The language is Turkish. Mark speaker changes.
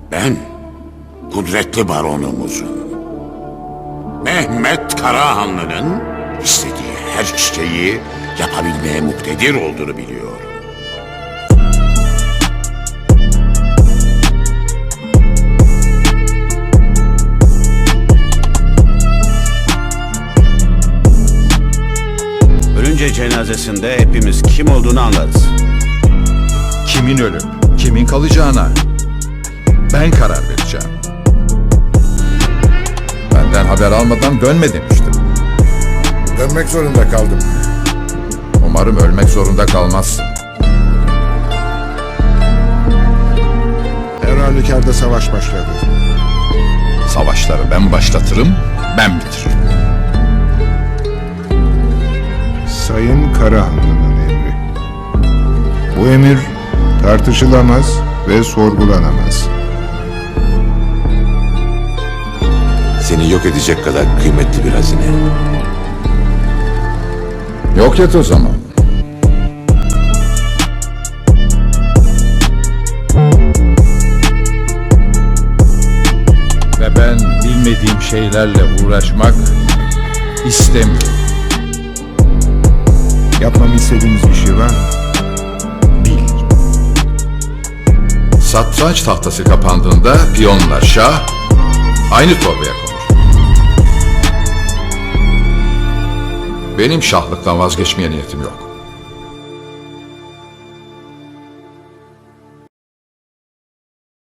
Speaker 1: Ben kudretli baronumuzun, Mehmet Karahanlı'nın istediği her şeyi yapabilmeye muktedir olduğunu biliyorum.
Speaker 2: Ölünce cenazesinde hepimiz kim olduğunu anlarız.
Speaker 3: Kimin ölüp kimin kalacağına ben karar vereceğim. Benden haber almadan dönme demiştim.
Speaker 4: Dönmek zorunda kaldım.
Speaker 3: Umarım ölmek zorunda kalmazsın.
Speaker 4: Her halükarda savaş başladı.
Speaker 3: Savaşları ben başlatırım, ben bitiririm.
Speaker 4: Sayın Karahanlı'nın emri. Bu emir tartışılamaz ve sorgulanamaz.
Speaker 5: Seni yok edecek kadar kıymetli bir hazine.
Speaker 3: Yok et o zaman. Ve ben bilmediğim şeylerle uğraşmak istemiyorum.
Speaker 4: Yapmamı istediğiniz bir şey var mı?
Speaker 3: Bil. Satranç tahtası kapandığında piyonlar şah aynı torbaya konur. Benim şahlıktan vazgeçmeye niyetim yok.